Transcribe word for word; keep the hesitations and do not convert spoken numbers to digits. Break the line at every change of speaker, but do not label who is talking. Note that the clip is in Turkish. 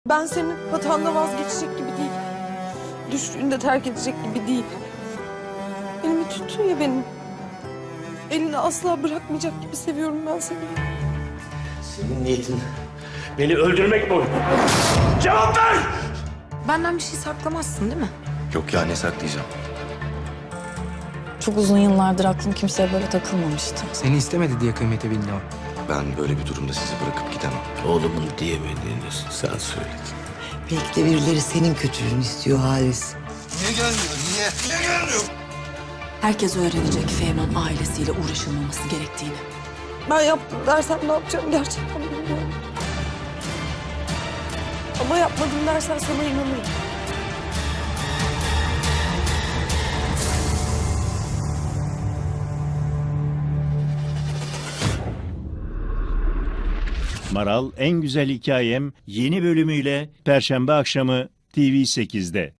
Ben senin hatanda vazgeçecek gibi değil. Düştüğünde terk edecek gibi değil. Elimi tuttun ya benim. Elini asla bırakmayacak gibi seviyorum ben seni.
Senin niyetin beni öldürmek mi? Cevap ver!
Benden bir şey saklamazsın değil mi?
Yok ya, ne saklayacağım?
Çok uzun yıllardır aklım kimseye böyle takılmamıştı.
Seni istemedi diye kıymeti bildi o.
Ben böyle bir durumda sizi bırakıp gidemem.
Oğlumun diyemediğini sen söyledin.
Belki de birileri senin kötülüğünü istiyor Halis.
Niye gelmiyor? Niye? Niye gelmiyor?
Herkes öğrenecek Ferman ailesiyle uğraşılmaması gerektiğini.
Ben yaptım dersen ne yapacağım gerçekten bilmiyorum. Ama yapmadım dersen sana inanırım.
Maral En Güzel Hikayem yeni bölümüyle Perşembe akşamı T V sekizde.